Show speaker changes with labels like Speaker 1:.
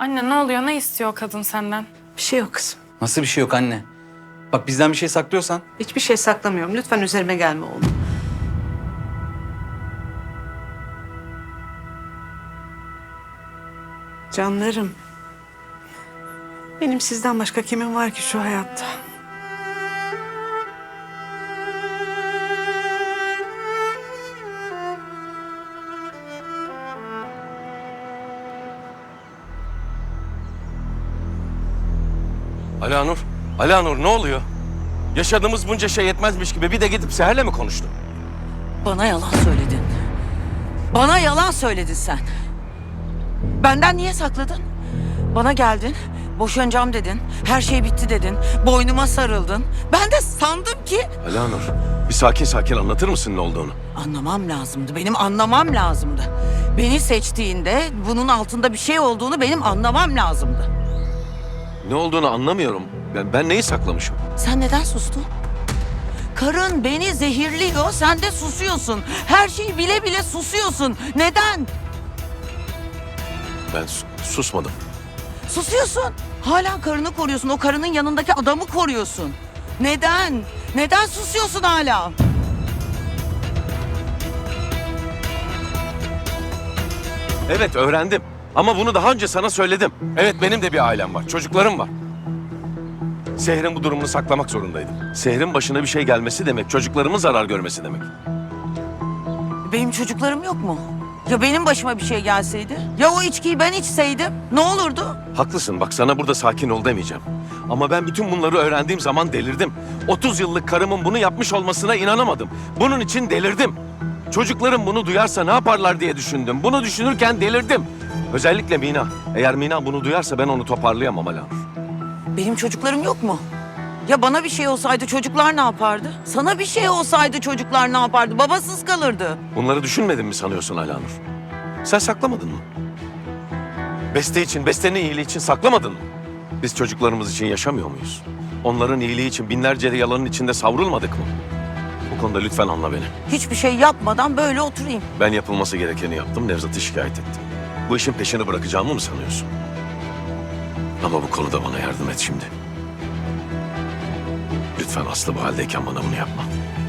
Speaker 1: Anne ne oluyor? Ne istiyor o kadın senden?
Speaker 2: Bir şey yok kızım.
Speaker 3: Nasıl bir şey yok anne? Bak bizden bir şey saklıyorsan.
Speaker 2: Hiçbir şey saklamıyorum. Lütfen üzerime gelme oğlum. Canlarım. Benim sizden başka kimim var ki şu hayatta?
Speaker 4: Alanur, Alanur ne oluyor? Yaşadığımız bunca şey yetmezmiş gibi bir de gidip Seher'le mi konuştun?
Speaker 5: Bana yalan söyledin. Bana yalan söyledin sen. Benden niye sakladın? Bana geldin, boşanacağım dedin, her şey bitti dedin, boynuma sarıldın. Ben de sandım ki...
Speaker 4: Alanur, bir sakin sakin anlatır mısın ne olduğunu?
Speaker 5: Anlamam lazımdı, benim anlamam lazımdı. Beni seçtiğinde bunun altında bir şey olduğunu benim anlamam lazımdı.
Speaker 4: Ne olduğunu anlamıyorum. Ben neyi saklamışım?
Speaker 5: Sen neden sustun? Karın beni zehirliyor, sen de susuyorsun. Her şeyi bile bile susuyorsun. Neden?
Speaker 4: Ben susmadım.
Speaker 5: Susuyorsun. Hala karını koruyorsun. O karının yanındaki adamı koruyorsun. Neden? Neden susuyorsun hala?
Speaker 4: Evet öğrendim. Ama bunu daha önce sana söyledim. Evet benim de bir ailem var, çocuklarım var. Seher'in bu durumunu saklamak zorundaydım. Seher'in başına bir şey gelmesi demek, çocuklarımın zarar görmesi demek.
Speaker 5: Benim çocuklarım yok mu? Ya benim başıma bir şey gelseydi? Ya o içkiyi ben içseydim? Ne olurdu?
Speaker 4: Haklısın bak sana burada sakin ol demeyeceğim. Ama ben bütün bunları öğrendiğim zaman delirdim. 30 yıllık karımın bunu yapmış olmasına inanamadım. Bunun için delirdim. Çocuklarım bunu duyarsa ne yaparlar diye düşündüm. Bunu düşünürken delirdim. Özellikle Mina. Eğer Mina bunu duyarsa ben onu toparlayamam Alanur.
Speaker 5: Benim çocuklarım yok mu? Ya bana bir şey olsaydı çocuklar ne yapardı? Sana bir şey olsaydı çocuklar ne yapardı? Babasız kalırdı.
Speaker 4: Bunları düşünmedin mi sanıyorsun Alanur? Sen saklamadın mı? Beste için, Beste'nin iyiliği için saklamadın mı? Biz çocuklarımız için yaşamıyor muyuz? Onların iyiliği için binlerce yalanın içinde savrulmadık mı? Bu konuda lütfen anla beni.
Speaker 5: Hiçbir şey yapmadan böyle oturayım.
Speaker 4: Ben yapılması gerekeni yaptım, Nevzat'ı şikayet ettim. Bu işin peşini bırakacağımı mı sanıyorsun? Ama bu konuda bana yardım et şimdi. Lütfen Aslı bu haldeyken bana bunu yapma.